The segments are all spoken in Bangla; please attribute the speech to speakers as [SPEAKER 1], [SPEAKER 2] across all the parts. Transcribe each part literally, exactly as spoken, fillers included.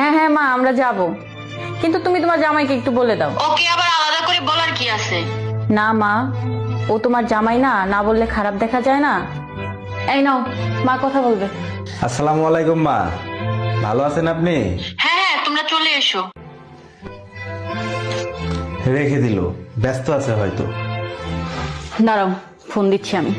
[SPEAKER 1] হ্যাঁ হ্যাঁ মা, আমরা যাব, কিন্তু তুমি তোমার জামাইকে একটু বলে দাও।
[SPEAKER 2] ওকে আবার আলাদা করে বলার কি আছে?
[SPEAKER 1] না মা, ও তোমার জামাই না, না বললে খারাপ দেখা যায় না। এই নাও, মা কথা বলবে।
[SPEAKER 3] আসসালামু আলাইকুম মা, ভালো আছেন আপনি?
[SPEAKER 2] হ্যাঁ হ্যাঁ, তোমরা চলে এসো।
[SPEAKER 3] রেখে দিল, ব্যস্ত আছে হয়তো।
[SPEAKER 1] দাঁড়াও, ফোন দিচ্ছি আমি।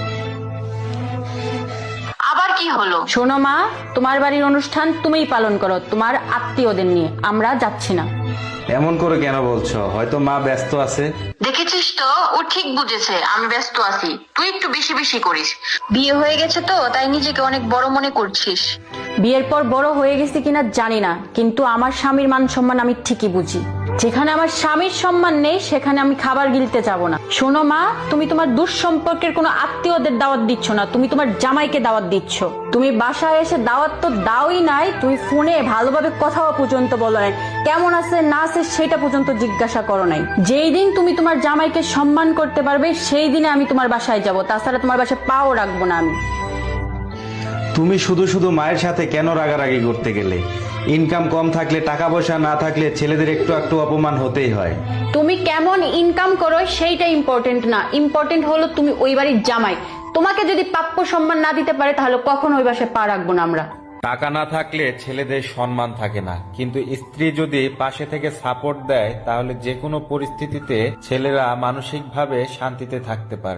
[SPEAKER 2] আবার কি হলো?
[SPEAKER 1] শোনো মা, তোমার বাড়ির অনুষ্ঠান তুমিই পালন করো তোমার আত্মীয়দের নিয়ে, আমরা যাচ্ছি না।
[SPEAKER 3] এমন করে কেন বলছো? হয়তো মা ব্যস্ত আছে।
[SPEAKER 2] দেখেছিস তো, ও ঠিক বুঝেছে আমি ব্যস্ত আছি। তুই একটু বেশি বেশি করিস। বিয়ে হয়ে গেছে তো তাই নিজেকে অনেক বড় মনে করছিস।
[SPEAKER 1] বিয়ের পর বড় হয়ে গেছি কিনা জানি না, কিন্তু আমার স্বামীর মান সম্মান আমি ঠিকই বুঝি। যেখানে আমার স্বামীর সম্মান নেই সেখানে আমি খাবার গিলতে যাব না। শোনো মা, তুমি তোমার দুঃসম্পর্কের কোনো আত্মীয়দের দাওয়াত দিচ্ছ না, তুমি তোমার জামাইকে দাওয়াত দিচ্ছ। তুমি বাসায় এসে দাওয়াত তো দাওই নাই, তুমি ফোনে ভালোভাবে কথাও পর্যন্ত বলো নাই, কেমন আছে না আছে সেটা পর্যন্ত জিজ্ঞাসা করো নাই। যেই দিন তুমি তোমার জামাইকে সম্মান করতে পারবে সেই দিনে আমি তোমার বাসায় যাব, তাছাড়া তোমার বাসায় পাও রাখবো না আমি।
[SPEAKER 3] তুমি শুধু শুধু মায়ের সাথে কেন রাগারাগি করতে গেলে? ইনকাম কম থাকলে, টাকা পয়সা না থাকলে ছেলেদের একটু একটু অপমান হতেই হয়।
[SPEAKER 1] তুমি কেমন ইনকাম করো সেইটা ইম্পর্টেন্ট না, ইম্পর্টেন্ট হলো তুমি ওই বাড়ির জামাই। তোমাকে যদি প্রাপ্য সম্মান না দিতে পারে তাহলে কখনো ওই বাসায় পা রাখবো না আমরা।
[SPEAKER 4] টাকা না থাকলে ছেলেদের সম্মান থাকে না, কিন্তু স্ত্রী যদি পাশে থেকে সাপোর্ট দেয় তাহলে যে কোনো পরিস্থিতিতে ছেলেরা মানসিকভাবে শান্তিতে থাকতে পারে।